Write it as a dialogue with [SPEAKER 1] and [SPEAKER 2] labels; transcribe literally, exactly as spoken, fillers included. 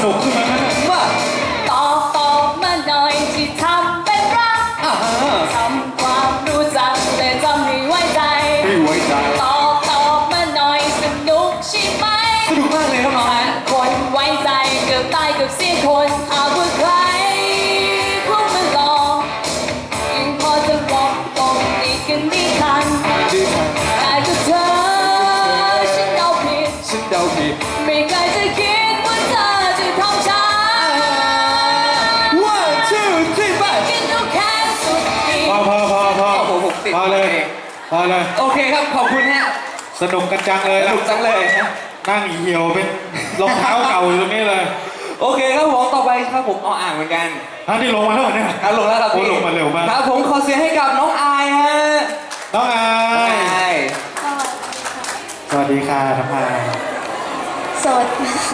[SPEAKER 1] นุกขึ้นมาว่า
[SPEAKER 2] ตอบตอบมาหน่อยที่ทำเป็นรักทำความรู้จักแต่จำไม่ไว้ใจ
[SPEAKER 1] ไม่ไว้ใจ
[SPEAKER 2] ตอบตอบมาหน่อยสนุกใช่ไหม
[SPEAKER 1] สนุกมากเลยครับน้อง
[SPEAKER 2] คนไว้ใจเกือบตายเกือบเสียคนหากว่าใครพวกมันหลอกยังพอจะบอกตรงอีกกันไม่ทันแต่ก็เธอฉันเดาผิด
[SPEAKER 1] ฉันเดาผิด
[SPEAKER 2] ไม่เคยจะคิดว่าเธอจะทำฉัน
[SPEAKER 1] one two three five
[SPEAKER 2] กินดูแค่สุดที่
[SPEAKER 1] พอพอพอพอ
[SPEAKER 3] โอ้โหผมติด
[SPEAKER 1] พอเลยพอเลย
[SPEAKER 3] โอเคครับขอบคุณฮะ
[SPEAKER 1] สนุกกันจังเลย
[SPEAKER 3] สนุกจังเลยฮะ
[SPEAKER 1] นั่งเหี่ยวเป็นรองเท้าเก่าอยู่ตรงนี้เลย
[SPEAKER 3] โอเคครับผมต่อไปครับผมเอาอ่างเหมือนกัน
[SPEAKER 1] ฮะที่ลงมาแล้วเนี่ย
[SPEAKER 3] ครับลงแล้วครับพี่
[SPEAKER 1] ลงมาเร็วมาก
[SPEAKER 3] ครับผมขอเสียงให้กับน้องอายฮะ
[SPEAKER 1] น้องอายสวัสดีค่ะน้องอาย
[SPEAKER 2] สวัสดี